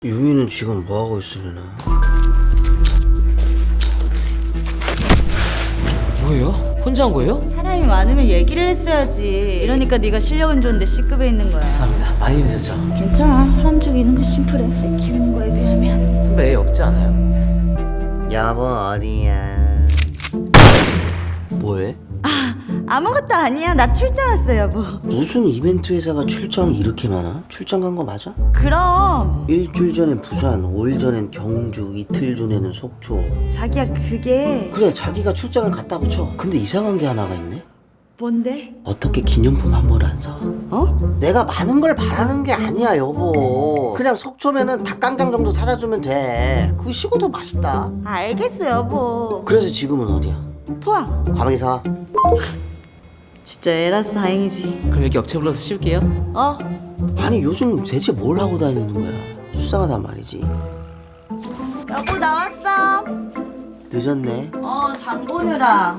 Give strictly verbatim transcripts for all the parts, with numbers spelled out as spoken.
유미는 지금 뭐하고 있으려나? 뭐예요? 혼자 한 거예요? 사람이 많으면 얘기를 했어야지. 이러니까 네가 실력은 좋은데 C급에 있는 거야. 죄송합니다. 많이 힘드셨죠? 괜찮아. 사람 죽이는 거 심플해. 애 키우는 거에 비하면. 선배 애 없지 않아요? 여보 어디야? 뭐해? 아무것도 아니야. 나 출장 왔어, 여보. 무슨 이벤트 회사가 출장이 이렇게 많아? 출장 간 거 맞아? 그럼 일주일 전엔 부산, 오 일 전엔 경주, 이틀 전에는 속초. 자기야 그게 그래 자기가 출장을 갔다고 쳐. 근데 이상한 게 하나가 있네. 뭔데? 어떻게 기념품 한 벌 안 사? 어? 내가 많은 걸 바라는 게 아니야 여보. 그냥 속초면은 닭강정 정도 사다 주면 돼. 그거 식어도 맛있다. 알겠어, 여보. 그래서 지금은 어디야? 포항. 과메기 사. 진짜 애라서 다행이지. 그럼 여기 업체 불러서 씌울게요. 어? 아니 요즘 대체 뭘 하고 다니는 거야? 수상하단 말이지. 여보 나왔어. 늦었네. 어, 장 보느라.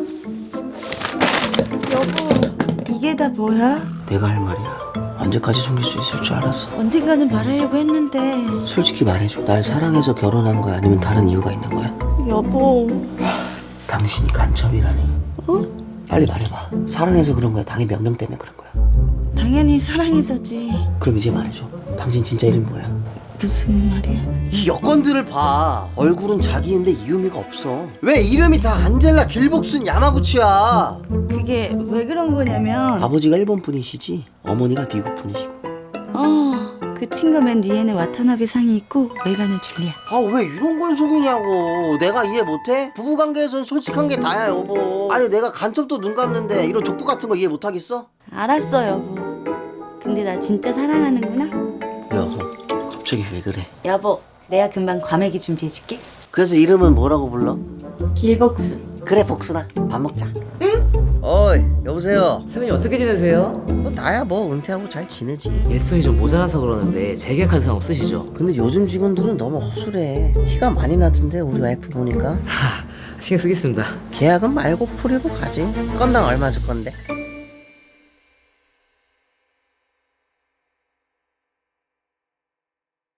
여보, 이게 다 뭐야? 내가 할 말이야. 언제까지 숨길 수 있을 줄 알았어. 언젠가는 말하려고 했는데. 솔직히 말해줘. 날 사랑해서 결혼한 거야? 아니면 다른 이유가 있는 거야? 여보. 당신이 간첩이라니. 어? 빨리 말해봐. 사랑해서 그런 거야? 당의 명령 때문에 그런 거야? 당연히 사랑해서지. 그럼 이제 말해줘. 당신 진짜 이름 뭐야? 무슨 말이야? 이 여권들을 봐. 얼굴은 자기인데 이유미가 없어. 왜 이름이 다 안젤라, 길복순, 야마구치야? 그게 왜 그런 거냐면 아버지가 일본 분이시지 어머니가 미국 분이시고. 어, 그 친구 맨 위에는 와타나베 상이 있고 외관은 줄리아. 아 왜 이런 걸 속이냐고. 내가 이해 못해? 부부관계에선 솔직한 게 다야 여보. 아니 내가 간첩도 눈 감는데 이런 족보 같은 거 이해 못하겠어? 알았어, 여보. 근데 나 진짜 사랑하는구나. 여보 갑자기 왜 그래? 여보, 내가 금방 과메기 준비해줄게. 그래서 이름은 뭐라고 불러? 길복순. 그래 복순아 밥 먹자. 응? 어이 여보세요. 선배님 어떻게 지내세요? 뭐 나야 뭐 은퇴하고 잘 지내지. 일손이 좀 모자라서 그러는데 재계약할 생각 없으시죠? 근데 요즘 직원들은 너무 허술해. 티가 많이 나던데 우리 와이프 보니까. 하, 신경 쓰겠습니다. 계약은 말고 프리로 가지. 건당 얼마 줄 건데?